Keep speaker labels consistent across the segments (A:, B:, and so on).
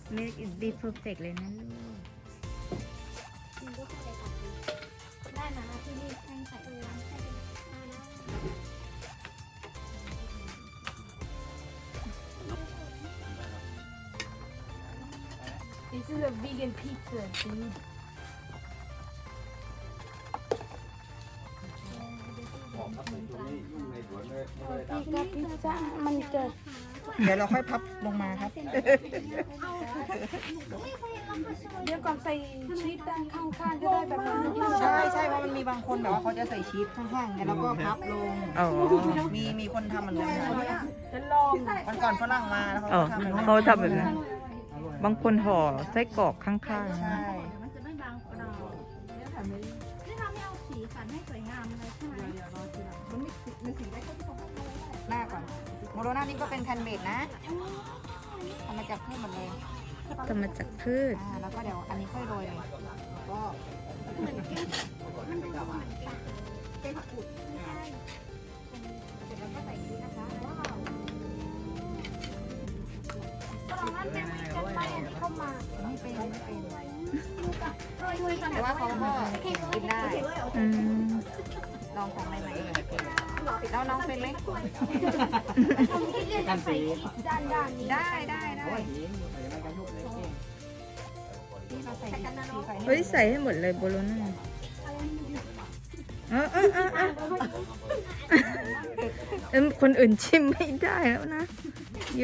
A: make it be perfect เลยนะลูก
B: จริงก็เข้าใจตัดดีได้นะที่นี่แป้งใส่น้ำใส่ไปนะ
C: This is a vegan pizza, dude. พี่กับพิซซ่ามันเกิด
A: เดี๋ยวเราค่อยพับลงมาครับ
C: เดี๋ยวก่อนใส่ชีสด้านข้างๆก็ได้แบบนั้น
A: ใช่ใช่เพราะมันมีบางคนแบบว่าเขาจะใส่ชีสข้างๆไงแล้วก็พับลงมีคนทำเหมือนกันนะ
C: จะลอง
A: วันก่อนฝรั่งมาแล้วเขา
D: อ๋อ
A: ก็ทำแบบนั้น
D: เขาทำแบบนั้นบางคนห่อไส้กรอกข้าง
A: ใช่
B: มันจะไม่บางกว่าเรานี่เราไม่เอาสีสันให้สวยงามเลยใช่ไหม
A: หน้าก่อนโมโรนานี่ก็เป็นแพนเบดนะทำมาจากพืชหมดเลย
D: ๆทำมาจากพืช
A: แล้วก็เดี๋ยวอันนี้ค่อยโรยเลยก็
B: เป็นผักกุดไม่ใช่
A: เสร็จแล้วก็ใส่ชีสนะคะว้าว
B: ตอนนั้นแม่ไม่จะไปอันนี้เข้ามา
A: ไม่เป็น
B: โรยๆกัน
A: แต่ว่าเขาก็กินได้
D: อืม
A: ลองของใหม่ๆแล้วน้องเป็นไหม
B: กันสีด้านนี้
A: ได้นี่เราใส่สีไฟ
D: เฮ้ยใส่ให้หมดเลยโบโลน่าคนอื่นชิมไม่ได้แล้วนะยู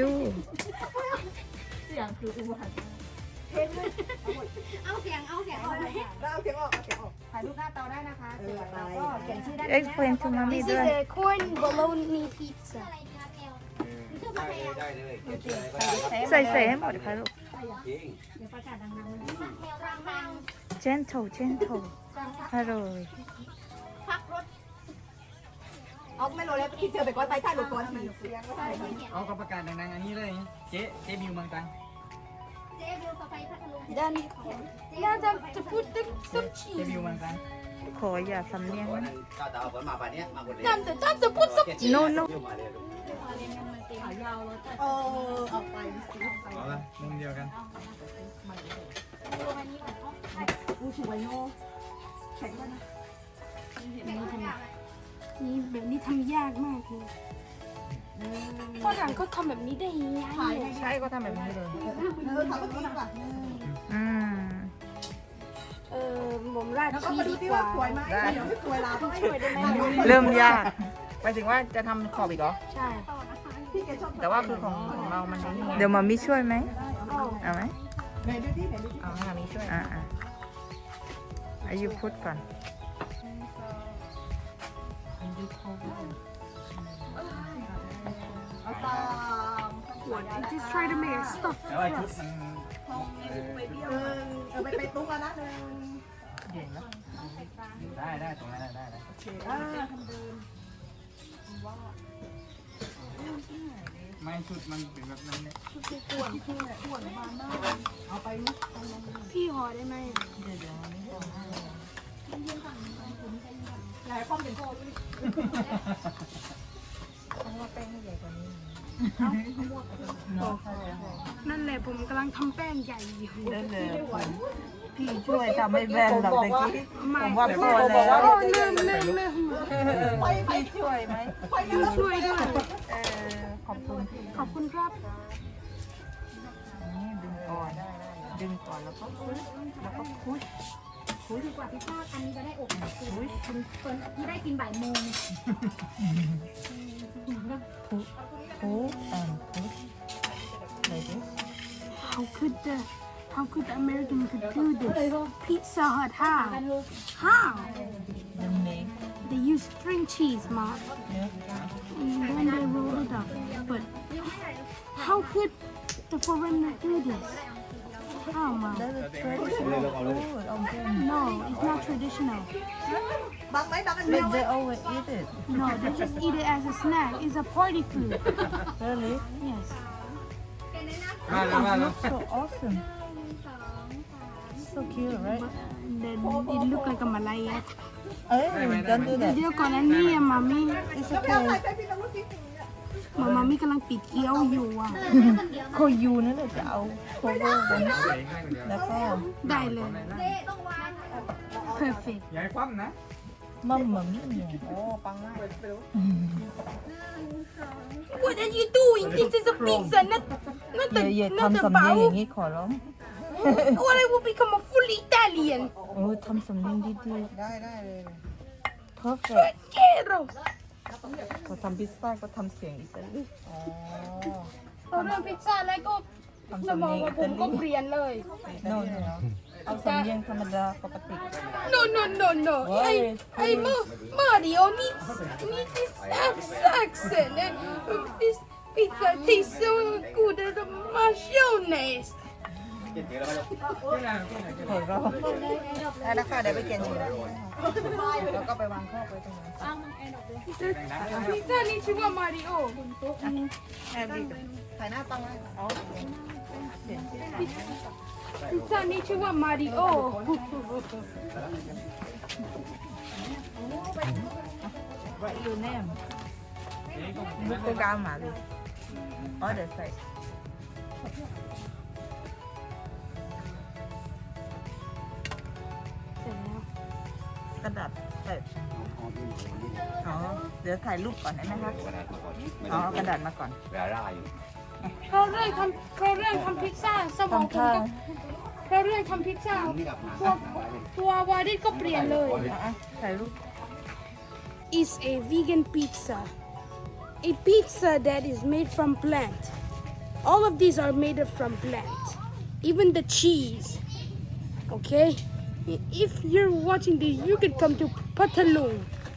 B: เอาเสียงเอาเลย
A: ถ่ายรูปหน้าเตาได้นะคะสวยแล้วก็เขียนชื่อได้
D: เอ็กเพลนทูมามี่
C: This
D: ด้
C: is
D: วย
C: a corn bologna pizza.
B: อะไรนะแมวชื่อปลาแมว
E: ได้เลย
D: ใส่ให้หมดค่ะลูก
E: จริง
B: เดี๋ยวประกาศดังๆเลยปลาแมวรัง
D: gentle อร่อย
B: พักรถ
A: เอาไม่โรยแล้วพี่เจอไปก้อนไปถ่ายรูปก้อนที
F: เอากรรมการดังๆอันนี้เลยเจ๊บิวเมืองตรัง
B: เจ๊บิวสไปพัทลุง
C: Then now to put the some
F: เจ๊
C: cheese.
F: บิวเมืองตรัง
D: ขออย่าสำเนียง
E: วัน
D: นะ
E: นั้นข้าวตาผลมาป่านนี้มาคนเดียว
C: Time to put some cheese.
D: no no
E: มาเลยลูก
A: เอาไป
F: เอาละมุมเดียวกัน
A: ดูสวยเนาะแข็งด้วยนะ
C: นี่แบบนี้ทำยากมากเลยฝรั่งเขาทำแบบนี้ได้ยังไง
A: ใช่ก็ทำแบบนี้เลยทำแบบนี้ป่ะ
D: อืม
C: ผมราดชีสดีกว่า
A: ได้เดี๋ยวไม่สวยเราต้อง
C: ช่วยได้ไหม
D: เริ่มยาก
A: หมายถึงว่าจะทำขอบอีกเหรอ
C: ใช่
A: แต่ว่าคือของเรามันไม่
D: เดี๋ยวมามิช่วยไหมเอาไหม
A: เอาให้มีช่วย
D: อายุพูดก่อน
C: just try to make it stuff
F: แต่ว่าชุดมัน
A: ไปตุ้งแล้วนะ
F: ได้ตรงนั้นได้ ไม่ชุดมันเป็นแบบนั้นเนี่ย
C: พี่ห่อได้ไหม
A: หลายข้อเป็นโทษต้องว่าแป้งให้ใหญ่กว่านี้
C: นั่นแหละผมกำลังทำแป้งใหญ่อยู่
D: ได้เลยพี่ช่วยทำให้แบนหรอกตะกี้
C: ไม่
D: ผมว่าพอ
C: โอ้
D: แล้ว
C: เริ่ม
D: พี่ช่วยไหม
C: ช่วยด้วย
D: ขอบคุณพี่
C: ขอบคุณครับ
D: นี่ดึงก่อนแล้วก็พุช
B: ดีกว่าพิซซ่าอันนี้จะได้อบคือคุณเฟิร์นที่ได้กินบ่ายโมง
D: push like this
C: How could the American could do this? Pizza Hut, how? How? They use string cheese, Mom. And then they roll it up. But how could the foreigner do this? How, Mom? No, it's not traditional.
A: บางไหมบางอัน
D: but they always eat it
C: No, they just eat it as a snack. It's a party food.
D: really
C: Yes.
F: มาแล้ว
D: so awesome so cute right
C: Then it look like a Malaya.
D: don't do that
C: เดี๋ยวก่อนอันนี้อะมามี่
D: it's okay
C: มามี่กำลังปิดเกี๊ยวอยู่อ่ะ
D: โคยูนั่นแหละจะเอาโคเวอร์กันแล้วก็
C: ได้เลย perfect
F: อย่าให้คว่ำนะ
D: มัมมัมมี่เนี่ย
A: โอ้ปังมาก
C: What are you doing This is a pizza not
D: อย่า
C: not
D: ทำ
C: a
D: สำเนียง
C: bowl
D: อย่างนี้ขอร้อง
C: or I will become a full Italian
D: โอ้ทำสำเนียงดี
A: ได้เลย
D: ๆ perfect
C: Quiero
D: พอทำพิซซ่าก็ทำเสียงอิตาลี
A: อ๋อ
C: พอเริ่มพิซซ่าแล้วก็สมองของผมก็เปลี่ยนเลย
D: โน่นเอาสำเนียงธรรมดาปกติ
C: No. Hey, Mario needs this accent. This pizza tastes so good. The mayonnaise.
D: ขอร้อง
A: ได้แล้วค่ะเดี๋ยวไปเขียนชื่อแล้วก็ไปวางข้อไปตรงนั้น
C: Pizza needs to go Mario.
A: ถ่ายหน้าปังไว้อ๋อ
C: Pizza needs to go Mario.
D: Write your name บุกโกกามาเลยอ๋อเดี๋ยวใส่กระดาษใส่อ๋อเดี๋ยวถ่ายรูปก่อนได้ไหมคะอ๋อกระดาษมาก่อน
E: เวลาร่าอยู่
C: เขาเรื่องทำพิซซ่าสมองผมก็เขาเรื่องทำพิซซ่าตัววาดิสก็เปลี่ยนเลย
D: ถ่ายรูป
C: is a vegan pizza. A pizza that is made from plant. All of these are made from plant. Even the cheese. Okay? If you're watching this, you can come to Patalung.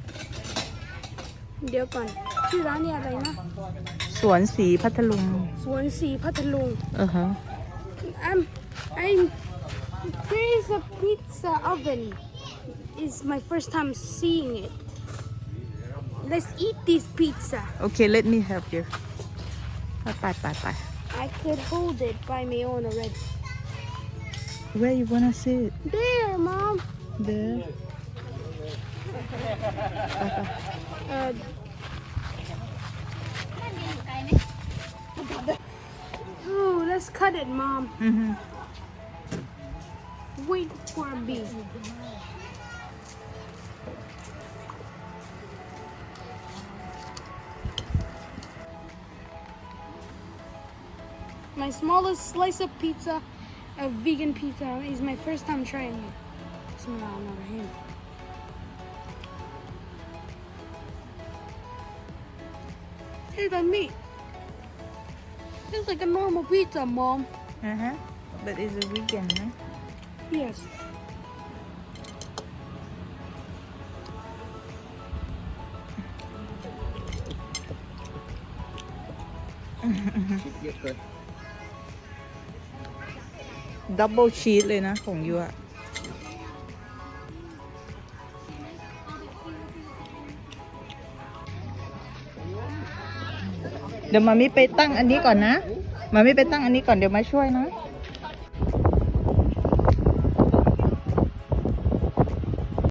C: เดี๋ยวก่อนชื่อร้านเนี่ยอะไรนะ
D: สวนสีพัทลุง
C: สวนสีพัทลุง
D: ฮะ
C: There is a pizza oven. It's my first time seeing it. Let's eat this pizza.
D: Okay let me help you ไป
C: I could hold it by my own already.
D: Where you wanna sit
C: There, Mom.
D: there
C: Oh, let's cut it, Mom.
D: อือฮึ
C: Wait for me. My smallest slice of pizza, a vegan pizza, is my first time trying it. Bismillahirrahmanirrahim. Tastes like meat. Tastes like a normal pizza, Mom.
D: อ่าฮะ but it's a vegan นะ
C: Yes.
D: double cheese เลยนะของยูอะเดี๋ยวมามิไปตั้งอันนี้ก่อนนะมามิไปตั้งอันนี้ก่อนเดี๋ยวมาช่วยนะ